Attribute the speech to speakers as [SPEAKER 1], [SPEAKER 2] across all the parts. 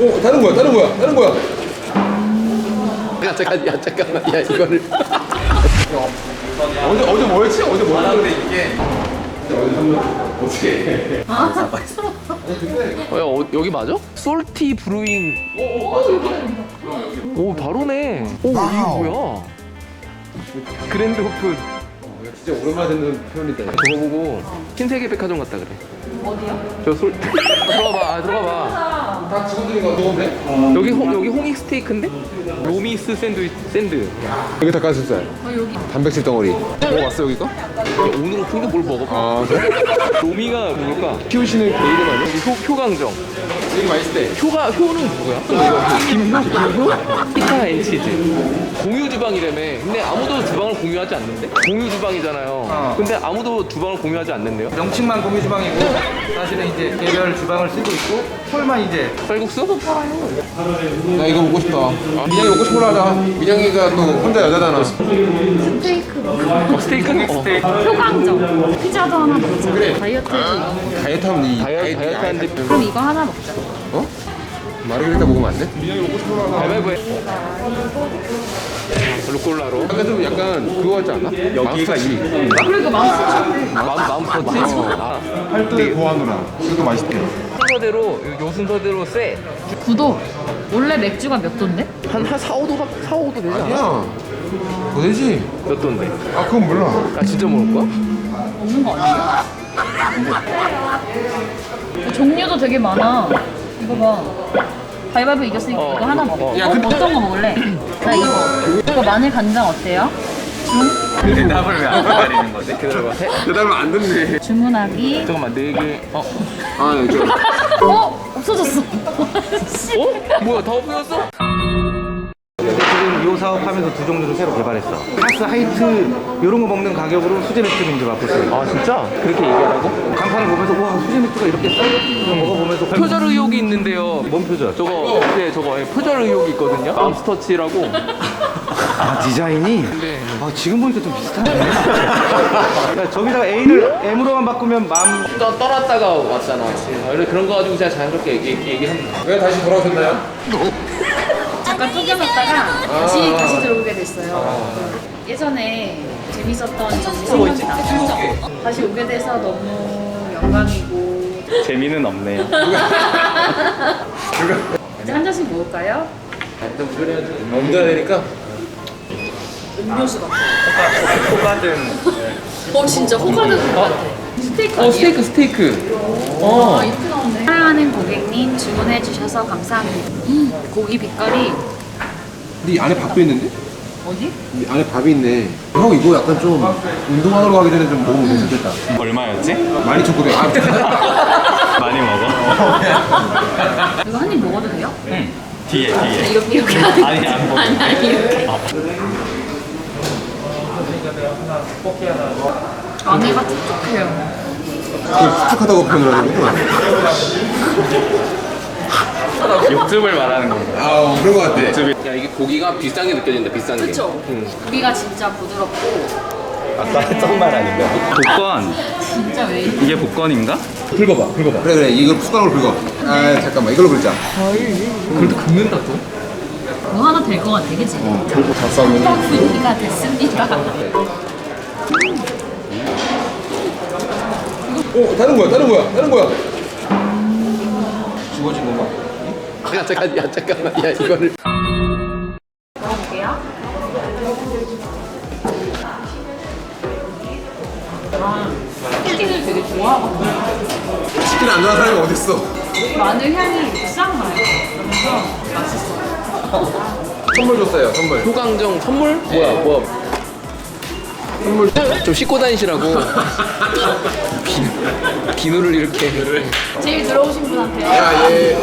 [SPEAKER 1] 다른 거야, 다른 거야, 다른 거야.
[SPEAKER 2] 야 잠깐만 야 이거를
[SPEAKER 1] 어제 뭐였지? 어제 뭐였는데 이게. 어떻게?
[SPEAKER 2] 여기 맞아? 솔티 브루잉. 오 바로네. 오 이게 뭐야? 그랜드 오픈.
[SPEAKER 1] 진짜 오랜만에 듣는 표현이다.
[SPEAKER 2] 저거 보고 신세계 백화점 갔다 그래.
[SPEAKER 3] 어디요?
[SPEAKER 2] 저 솔. 들어가봐.
[SPEAKER 1] 다 직원들인 거 좋은데?
[SPEAKER 2] 여기 홍익 스테이크인데? 로미스 샌드.
[SPEAKER 1] 여기 닭가슴살.
[SPEAKER 3] 여기
[SPEAKER 1] 단백질 덩어리. 왔어 여기가?
[SPEAKER 2] 오늘 오픈도 뭘 먹어?
[SPEAKER 1] 아 그래?
[SPEAKER 2] 로미가 누굴까?
[SPEAKER 1] 키우시는 개 이름 아니야?
[SPEAKER 2] 효강정.
[SPEAKER 1] 되게 맛있을 때.
[SPEAKER 2] 효는 누구야? 김효? 피타 앤 치즈. 공유 주방이라며. 근데 아무도 주방을 공유하지 않는데? 공유 주방이잖아요. 근데 아무도 주방을 공유하지 않는데요?
[SPEAKER 4] 명칭만 공유 주방이고 사실은 이제 개별 주방을 쓰고 있고 홀만 이제
[SPEAKER 2] 쌀국수?
[SPEAKER 1] 나 이거 먹고 싶다. 민영이 먹고 싶어 하자. 민영이가 또 혼자 여자잖아.
[SPEAKER 3] 스테이크
[SPEAKER 2] 스테이크는?
[SPEAKER 3] 효강정 피자도 하나 먹자. 다이어트해서
[SPEAKER 1] 다이어트 하면 이
[SPEAKER 2] 다이어트 하는데
[SPEAKER 3] 그럼 이거 하나 먹자.
[SPEAKER 1] 어? 마르게리타 먹으면 안 돼? 민영이 먹고 싶어 하자.
[SPEAKER 2] 가위바위보해. 루꼴라로.
[SPEAKER 1] 약간 그거 같지 않아? 여기가 이
[SPEAKER 3] 그러니까 마음
[SPEAKER 2] 마음 터치?
[SPEAKER 5] 팔도의 고아누나 이것도 맛있대요.
[SPEAKER 2] 요 순서대로 쎄.
[SPEAKER 3] 구도 원래 맥주가 몇 도인데?
[SPEAKER 2] 한 4, 5도 되지 않아?
[SPEAKER 1] 아니야. 더 되지?
[SPEAKER 2] 몇 도인데?
[SPEAKER 5] 아 그건 몰라.
[SPEAKER 2] 아 진짜 먹을 거야?
[SPEAKER 3] 없는 거 아니야? 종류도 되게 많아. 이거 봐. 가위바위보 이겼으니까 이거 하나 먹어.
[SPEAKER 1] 야, 근데-
[SPEAKER 3] 어떤 거 먹을래? 나 이거 마늘 간장 어때요?
[SPEAKER 4] 대답을 왜 안 기다리는 거지?
[SPEAKER 2] 기다려봐.
[SPEAKER 1] 대답을 안 듣네.
[SPEAKER 3] 주문하기.
[SPEAKER 2] 잠깐만 4개.
[SPEAKER 1] 아, 저.
[SPEAKER 3] 없어졌어.
[SPEAKER 2] 뭐야 다 없어졌어?
[SPEAKER 4] 지금 이 사업하면서 두 종류를 새로 개발했어. 가스 하이트 이런 거 먹는 가격으로 수제 맥주를 이제 맛볼 수 있어.
[SPEAKER 2] 아 진짜? 그렇게 얘기하라고?
[SPEAKER 4] 간판을 보면서 와 수제 맥주가 이렇게 싸? 이거 먹어보면서
[SPEAKER 2] 표절 의혹이 있는데요.
[SPEAKER 4] 뭔 표절?
[SPEAKER 2] 저거 표절 의혹이 있거든요. 맘스터치라고.
[SPEAKER 4] 아 디자인이?
[SPEAKER 2] 네.
[SPEAKER 4] 아 지금 보니까 좀 비슷하네. 야, 저기다가 A를 M으로만 바꾸면 맘.
[SPEAKER 2] 떠났다가 왔잖아. 원래 그런 거 가지고 제가 자연스럽게 얘기합니다.
[SPEAKER 1] 왜 다시 돌아오셨나요?
[SPEAKER 3] 잠깐 쫓겨났다가 다시 들어오게 됐어요. 예전에 재밌었던 점이 생각이 나서 다시 오게 돼서 너무 영광이고.
[SPEAKER 4] 재미는 없네요.
[SPEAKER 3] 이제 한 잔씩 먹을까요?
[SPEAKER 1] 운전해야 되니까.
[SPEAKER 3] 음료수 같아.
[SPEAKER 4] 똑같은
[SPEAKER 3] 진짜 호가든 것 같아. 스테이크 아니에요?
[SPEAKER 2] 스테이크.
[SPEAKER 3] 이렇게 나오네. 사랑하는 고객님 주문해 주셔서 감사합니다. 고기 빛깔이
[SPEAKER 1] 네 안에 밥도 있는데?
[SPEAKER 3] 어디?
[SPEAKER 1] 이 안에 밥이 있네. 형 이거 약간 좀 운동하러 가기 전에 좀 먹으면 괜찮겠다.
[SPEAKER 4] 얼마였지?
[SPEAKER 1] 12,900.
[SPEAKER 4] 많이 먹어.
[SPEAKER 3] 이거 한 입 먹어도 돼요?
[SPEAKER 4] 뒤에.
[SPEAKER 3] 이렇게 하는 거
[SPEAKER 4] 아니, 안 먹어.
[SPEAKER 3] 아니 이렇게. 안에가 촉촉해요.
[SPEAKER 1] 수축하다고 표현을 하는구나.
[SPEAKER 4] 육즙을 말하는 건가?
[SPEAKER 1] 아, 그런 거 같아.
[SPEAKER 2] 야 이게 고기가 비싼 게 느껴진다. 비싼 게.
[SPEAKER 3] 그렇죠. 고기가 진짜 부드럽고
[SPEAKER 4] 아까 했던 말 아닌가? 복권.
[SPEAKER 3] 진짜 왜 이렇게
[SPEAKER 4] 이게 복권인가?
[SPEAKER 1] 긁어봐. 그래. 이거 숟가락으로 긁어. 아, 잠깐만. 이걸로 긁자.
[SPEAKER 2] 그래도 긁는다 또.
[SPEAKER 3] 뭐 하나 될 것 같아, 그치?
[SPEAKER 1] 결국 다 싸우면.
[SPEAKER 3] 분위기가 됐습니다.
[SPEAKER 1] 다른 거야. 지워진 건가?
[SPEAKER 2] 잠깐만 야 이거를.
[SPEAKER 3] 먹어볼게요. 치킨을 되게 좋아하거든요.
[SPEAKER 1] 치킨 안 좋아하는 사람이 어딨어?
[SPEAKER 3] 마늘 향이 이렇게 싹 나요. 그래서 맛있어요.
[SPEAKER 1] 선물 줬어요, 선물.
[SPEAKER 2] 효강정 선물? 뭐야? 선물 좀 씻고 다니시라고. 비누를 이렇게.
[SPEAKER 3] 제일 들어오신 분한테요.
[SPEAKER 1] 야, 얘.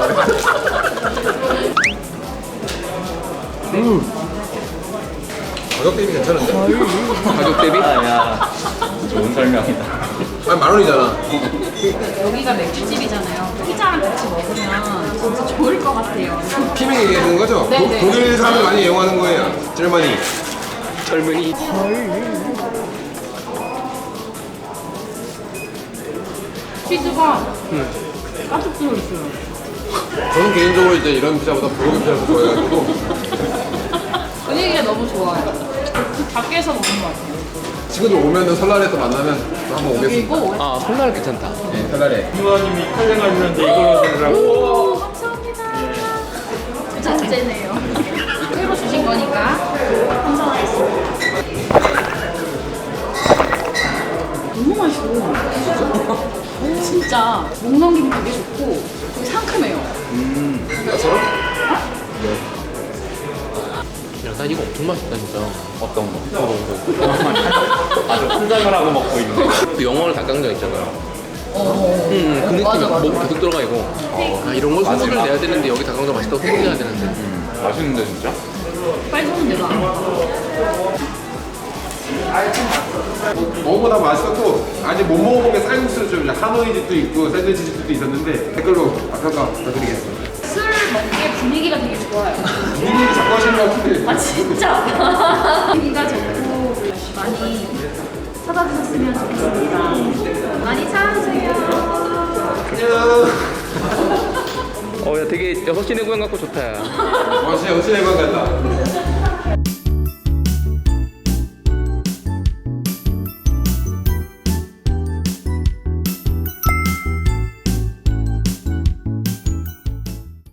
[SPEAKER 1] 가격 대비 괜찮은데?
[SPEAKER 2] 가격 대비?
[SPEAKER 4] 야, 좋은 설명이다.
[SPEAKER 1] 아니, 10,000원이잖아.
[SPEAKER 3] 여기가 맥주집이잖아요. 피자랑 같이 먹으면 진짜 좋을 것 같아요.
[SPEAKER 1] 피밍 얘기하는 거죠?
[SPEAKER 3] 네네.
[SPEAKER 1] 독일 사람들 많이 이용하는 거예요. 젊은이.
[SPEAKER 2] 젊은이.
[SPEAKER 3] 치즈가 가득 들어있어요.
[SPEAKER 1] 저는 개인적으로 이제 이런 피자보다 불고기 피자를 더 좋아해가지고
[SPEAKER 3] 분위기가 너무 좋아요. 밖에서 먹는 것 같아요.
[SPEAKER 1] 친구들 오면은 설날에 또 만나면 또 한번 오겠습니다.
[SPEAKER 3] 그리고
[SPEAKER 2] 아 설날 괜찮다.
[SPEAKER 1] 네, 설날에.
[SPEAKER 5] 부모님이 촬영하시는데 이걸로 드리라고.
[SPEAKER 3] 오, 감사합니다. 부자재네요. 새로 주신 거니까 감사하겠습니다. 너무 맛있어. 진짜 목 넘김 되게 좋고 되게 상큼해요.
[SPEAKER 1] 나처럼?
[SPEAKER 2] 야, 난 이거 엄청 맛있다 진짜.
[SPEAKER 4] 어떤 거? 아주 환장을 하고 먹고 있는.
[SPEAKER 2] 그 영월 닭강정 있잖아요. 그 느낌이
[SPEAKER 3] 맞아, 맞아.
[SPEAKER 2] 목 계속 들어가 이거. 아 이런 걸 소문을 내야 되는데 여기 닭강정 맛있다고 소문내야 되는데.
[SPEAKER 5] 맛있는데 진짜?
[SPEAKER 3] 빨리 손은 내가 안 먹어.
[SPEAKER 1] 먹어보다 맛있었고 아직 못 먹어본 게 쌀국수 좀 하노이 집도 있고 샌드위치 집도 있었는데 댓글로 평가 부탁드리겠습니다.
[SPEAKER 3] 술 먹기에 분위기가 되게 좋아요.
[SPEAKER 1] 분위기 자꾸 하시는 것 같은데
[SPEAKER 3] 아 진짜 분위기가 좋고 많이 찾아주셨으면 좋겠습니다. 많이 찾아주세요.
[SPEAKER 1] 안녕.
[SPEAKER 2] 야 되게 6시 내고향 같고 좋다. 야.
[SPEAKER 1] 진짜 여친의 관 같다.